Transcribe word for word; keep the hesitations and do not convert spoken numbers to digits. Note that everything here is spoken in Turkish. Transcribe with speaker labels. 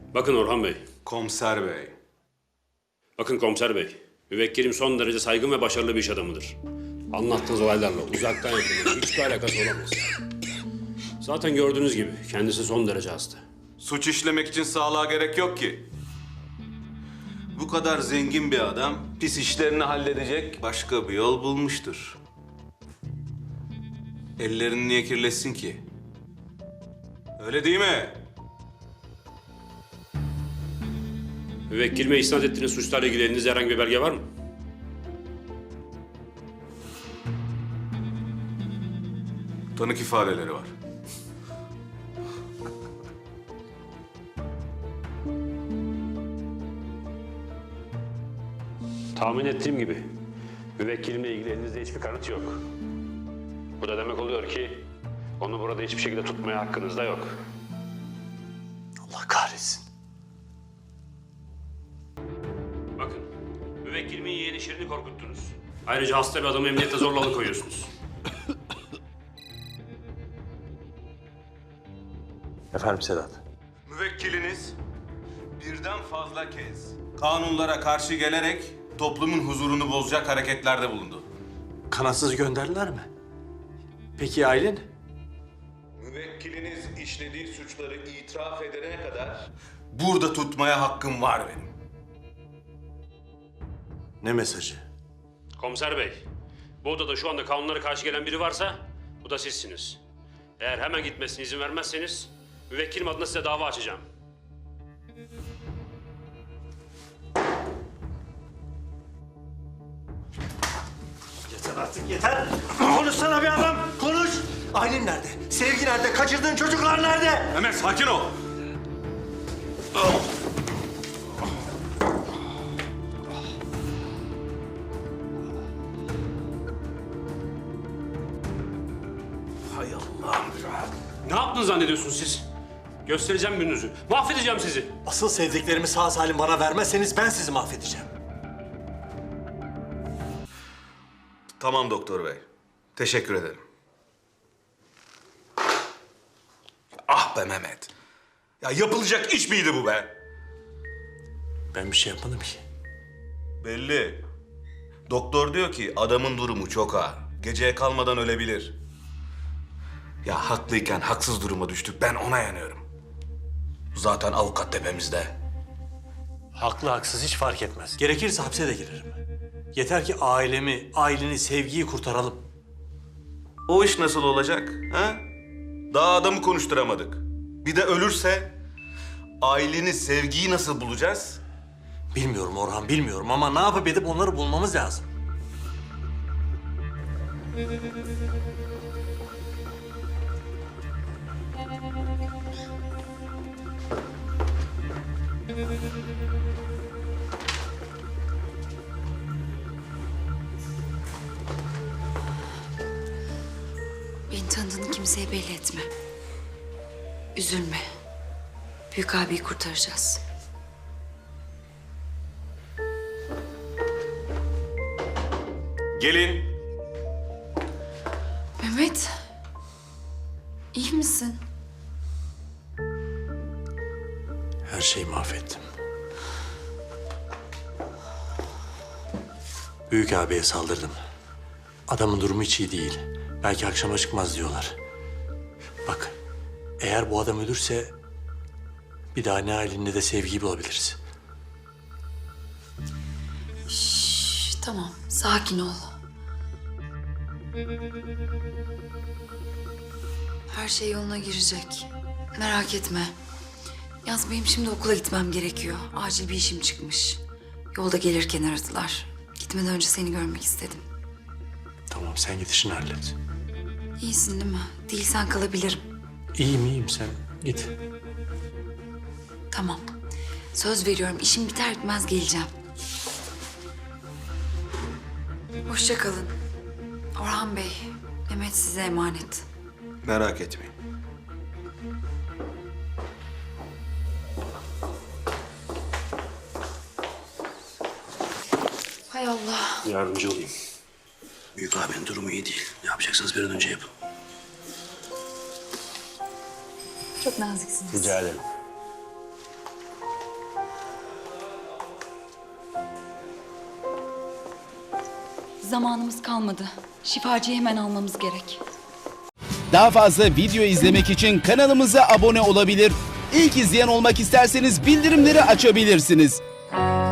Speaker 1: Bakın Orhan Bey.
Speaker 2: Komiser bey.
Speaker 1: Bakın komiser bey. Müvekkilim son derece saygın ve başarılı bir iş adamıdır. Anlattığınız olaylarla uzaktan yakından hiçbir alakası olamaz. Zaten gördüğünüz gibi kendisi son derece hasta.
Speaker 2: Suç işlemek için sağlığa gerek yok ki. Bu kadar zengin bir adam pis işlerini halledecek başka bir yol bulmuştur. Ellerini niye kirletsin ki? Öyle değil mi?
Speaker 1: Müvekkilime isnat ettiğiniz suçlarla ilgili elinizde herhangi bir belge var mı?
Speaker 2: Tanık ifadeleri var.
Speaker 1: Tahmin ettiğim gibi müvekkilimle ilgili elinizde hiçbir kanıt yok. Bu da demek oluyor ki onu burada hiçbir şekilde tutmaya hakkınız da yok.
Speaker 3: Allah kahretsin.
Speaker 1: Bakın, müvekkilimin yeğeni Şirin'i korkuttunuz. Ayrıca hasta bir adamı emniyette zorla alıkoyuyorsunuz.
Speaker 3: Efendim Sedat.
Speaker 2: Müvekkiliniz birden fazla kez kanunlara karşı gelerek toplumun huzurunu bozacak hareketlerde bulundu.
Speaker 3: Kanatsız gönderdiler mi? Peki Aylin?
Speaker 2: Müvekkiliniz işlediği suçları itiraf edene kadar burada tutmaya hakkım var benim.
Speaker 3: Ne mesajı?
Speaker 1: Komiser bey, bu odada şu anda kanunlara karşı gelen biri varsa bu da sizsiniz. Eğer hemen gitmesine izin vermezseniz müvekkilim adına size dava açacağım.
Speaker 3: Yeter artık yeter. Konuşsana bir adam. Konuş. Aylin nerede? Sevgi nerede? Kaçırdığın çocuklar nerede?
Speaker 2: Mehmet sakin ol.
Speaker 3: Hay Allah'ım.
Speaker 1: Ne yaptınız zannediyorsunuz siz? Göstereceğim gününüzü. Mahvedeceğim sizi.
Speaker 3: Asıl sevdiklerimi sağ salim bana vermezseniz ben sizi mahvedeceğim.
Speaker 2: Tamam doktor bey. Teşekkür ederim. Ah be Mehmet. Ya yapılacak iş miydi bu be?
Speaker 3: Ben bir şey yapmadım ki.
Speaker 2: Belli. Doktor diyor ki adamın durumu çok ağır. Geceye kalmadan ölebilir. Ya haklıyken haksız duruma düştük. Ben ona yanıyorum. Zaten avukat tepemizde.
Speaker 3: Haklı haksız hiç fark etmez. Gerekirse hapse de girerim. Yeter ki ailemi, aileni, sevgiyi kurtaralım.
Speaker 2: O iş nasıl olacak? Ha? Daha adamı konuşturamadık. Bir de ölürse aileni, sevgiyi nasıl bulacağız?
Speaker 3: Bilmiyorum Orhan, bilmiyorum ama ne yapıp edip onları bulmamız lazım.
Speaker 4: Beni tanıdığını kimseye belli etme. Üzülme. Büyük abiyi kurtaracağız.
Speaker 2: Gelin.
Speaker 4: Mehmet. İyi misin?
Speaker 3: Her şeyi mahvettim. Büyük abiye saldırdım. Adamın durumu hiç iyi değil. Belki akşama çıkmaz diyorlar. Bak, eğer bu adam ölürse bir daha ne Aylin'le de sevgiyi bulabiliriz.
Speaker 4: Şş, tamam, sakin ol. Her şey yoluna girecek. Merak etme. Yalnız benim şimdi okula gitmem gerekiyor. Acil bir işim çıkmış. Yolda gelirken aradılar. Gitmeden önce seni görmek istedim.
Speaker 3: Tamam, sen git işini hallet.
Speaker 4: İyisin değil mi? Değilsen kalabilirim.
Speaker 3: İyiyim, iyiyim. Sen git.
Speaker 4: Tamam. Söz veriyorum, işim biter bitmez geleceğim. Hoşça kalın. Orhan Bey, Mehmet size emanet.
Speaker 2: Merak etmeyin.
Speaker 4: Hay Allah.
Speaker 1: Yardımcı olayım.
Speaker 5: Büyük abinin durumu iyi değil. Ne yapacaksanız bir an önce yapın.
Speaker 4: Çok naziksiniz.
Speaker 1: Rica ederim.
Speaker 4: Zamanımız kalmadı. Şifacıyı hemen almamız gerek.
Speaker 6: Daha fazla video izlemek için kanalımıza abone olabilir. İlk izleyen olmak isterseniz bildirimleri açabilirsiniz.